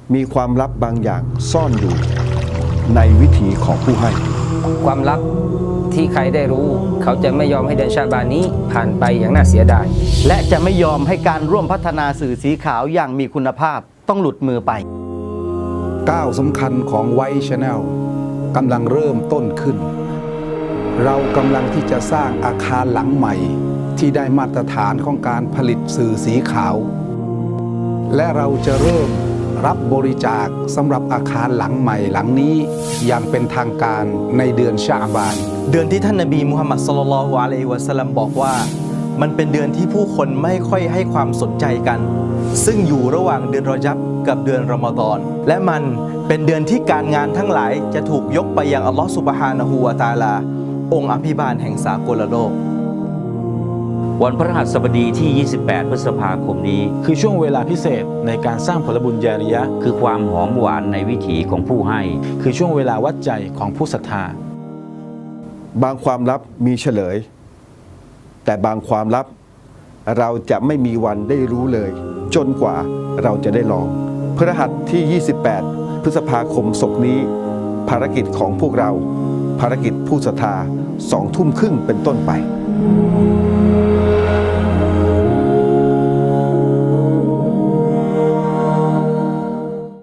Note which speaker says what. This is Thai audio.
Speaker 1: มีความลับบางอย่างซ่อนอยู่ในวิถีของผู้ให้
Speaker 2: ความลับที่ใครได้รู้เขาจะไม่ยอมให้เดือนชาบานนี้ผ่านไปอย่างน่าเสียดาย
Speaker 3: และจะไม่ยอมให้การร่วมพัฒนาสื่อสีขาวอย่างมีคุณภาพต้องหลุดมือไป
Speaker 4: ก้าวสำคัญของไวท์ชาแนลกำลังเริ่มต้นขึ้นเรากำลังที่จะสร้างอาคารหลังใหม่ที่ได้มาตรฐานของการผลิตสื่อสีขาวและเราจะเริ่มรับบริจาคสำหรับอาคารหลังใหม่หลังนี้อย่างเป็นทางการในเดือนชะอ์บาน
Speaker 5: เดือนที่ท่านนบีมุฮัมมัดศ็อลลัลลอฮุอะลัยฮิวะซัลลัมบอกว่ามันเป็นเดือนที่ผู้คนไม่ค่อยให้ความสนใจกันซึ่งอยู่ระหว่างเดือนรอญับกับเดือนรอมฎอนและมันเป็นเดือนที่การงานทั้งหลายจะถูกยกไปยังอัลลอฮฺซุบฮานะฮูวะตะอาลาองค์อภิบาลแห่งสากลโลก
Speaker 6: วันพฤหัสบดีที่ 28 พฤษภาคมนี้
Speaker 7: คือช่วงเวลาพิเศษในการสร้างผลบุญญาริยะห์
Speaker 6: คือความหอมหวานในวิถีของผู้ให้
Speaker 7: คือช่วงเวลาวัดใจของผู้ศรัทธา
Speaker 1: บางความลับมีเฉลยแต่บางความลับเราจะไม่มีวันได้รู้เลยจนกว่าเราจะได้ลองพฤหัสที่ 28 พฤษภาคมศกนี้ภารกิจของพวกเราภารกิจผู้ศรัทธา 20:30 เป็นต้นไป